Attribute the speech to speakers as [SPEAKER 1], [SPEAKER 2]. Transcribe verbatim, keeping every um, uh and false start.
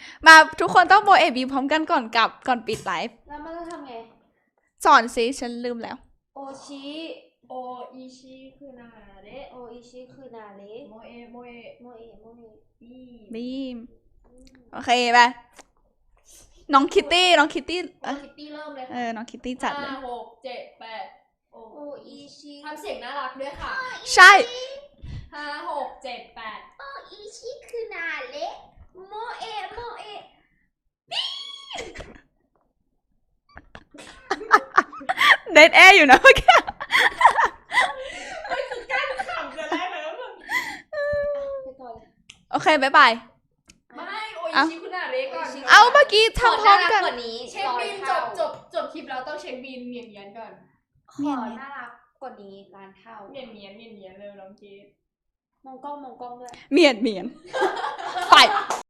[SPEAKER 1] มาทุกคนต้องโบเอบีพร้อมกันก่อนกลับก่อนปิดไลฟ์
[SPEAKER 2] แล้วมันจะทำไง
[SPEAKER 1] สอนสิฉันลืมแล้ว
[SPEAKER 2] โอชิ
[SPEAKER 3] โออิชิคือนาเระ
[SPEAKER 2] โออิชิคือนาเระ
[SPEAKER 3] โมเอโมเอ
[SPEAKER 2] โมเอโมเอ
[SPEAKER 3] บี
[SPEAKER 1] บีมโอเคไปน้องคิตตี้น้องคิตตี้
[SPEAKER 3] โอคิตตี้เริ่มเลย
[SPEAKER 1] เออน้องคิตตี้จัดเลย
[SPEAKER 3] ห้าหกเจ็ดแปด
[SPEAKER 2] โออิชิ
[SPEAKER 3] ทำเสียงน่ารักด้วยค่ะ
[SPEAKER 1] ใช่
[SPEAKER 3] ห้าหกเจ็ดแปด
[SPEAKER 2] โออิชิคือนาเระโมเอโมเอ
[SPEAKER 1] เดทแอร์อยู่นะเมื่อกี้
[SPEAKER 3] ไม่คือกั้นขำจะได้เลยว่า
[SPEAKER 1] โอเคบ๊ายบาย
[SPEAKER 3] ไม่โออิชิคุณนาเระก่อน
[SPEAKER 1] เอาเมื่อกี้ทำพร้อมกัน
[SPEAKER 3] เช็คบินจบจบจบคลิปแล้วต้องเช็คบินเนียนเนียนก่อน
[SPEAKER 2] ขอน่ารักกว่านี้ล้านเท่า
[SPEAKER 3] เนียนเนียนเนียนเนียนเลยน้องเกด
[SPEAKER 2] มองกล้องมองกล้องด้วย
[SPEAKER 1] เมียนเมียนไป